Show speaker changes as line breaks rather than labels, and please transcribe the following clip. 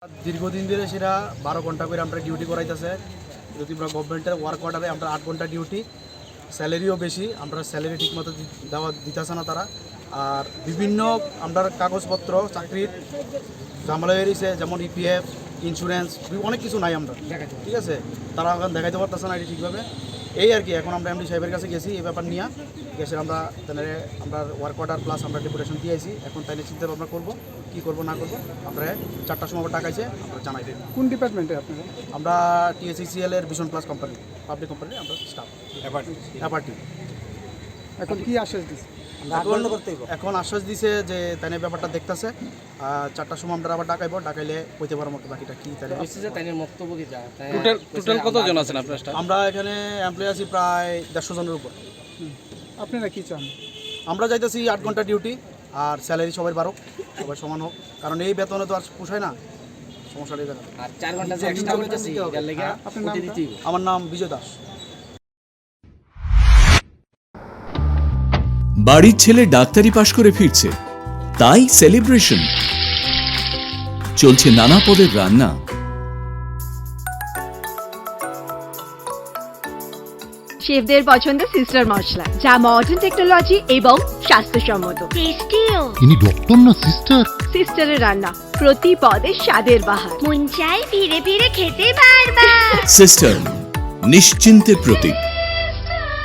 দীর্ঘদিন ধরে সেটা 12 ঘন্টা করে আমরা ডিউটি করাইতেছে। যদি আমরা গভর্নমেন্টের ওয়ার্ক অর্ডারে আমরা 8 ঘন্টা ডিউটি, স্যালারিও বেশি, আমরা স্যালারি ঠিকমতো দিতেছে না তারা। আর বিভিন্ন আমরা কাগজপত্র চাকরির ঝামেলা বেরিয়েছে, যেমন ইপিএফ, ইন্স্যুরেন্স, অনেক কিছু নাই আমরা, ঠিক আছে। তারা এখন দেখাইতে পারতেছে না এটি ঠিকভাবে। এই আর কি, এখন আমরা এমডি সাহেবের কাছে গেছি এই ব্যাপার নিয়ে গেছে। আমরা আমরা ওয়ার্ক অর্ডার প্লাস আমরা ডেপুটেশন দিয়েছি। এখন তাইলে চিন্তা ভাবনা করবো কী করবো না করবো। আমরা 4টার সময় টাকাইছে, আমরা জানাই দেব।
কোন ডিপার্টমেন্টে আপনারা?
আমরা TSCL এর vision plus company, public company আমরা স্টাফ অ্যাপার্টি।
এখন কি আশ্বাস দিচ্ছে?
এখন আশ্বাস দিছে যে তাই ব্যাপারটা দেখতেছে। 4টার সময় আমরা আবার ডাকাইলে কইতে পারবো বাকিটা কি।
টোটাল কতজন আছেন আপনার স্টাফ?
আমরা এখানে এমপ্লয়ি আছি প্রায় 150 জনের উপর।
আপনারা কি চান?
আমরা চাইতেছি 8 ঘন্টা ডিউটি আর স্যালারি সবাই বাড়ুক, সবাই সমান হোক, কারণ এই বেতনে তো আর পোষায় না। সমস্যাটা এই জায়গায়।
আর 4 ঘন্টা যে এক্সট্রা করতেছি এর লাগি কোটি দিতেই হবে।
আমার নাম বিজয় দাস।
বাড়ির ছেলে ডাক্তারি পাশ করে ফিরছে, তাই সেলিব্রেশন চলছে। নানা পদের রান্না,
শেফদের পছন্দের সিস্টার মশলা, যা মডার্ন টেকনোলজি এবং স্বাস্থ্যসম্মত। টেস্টিও।
ইনি ডক্টর না সিস্টার?
সিস্টারের রান্না প্রতি পদে স্বাদের বাহার,
মন চাই ফিরে ফিরে খেতে বারবার।
সিস্টার নিশ্চিন্তের প্রতীক।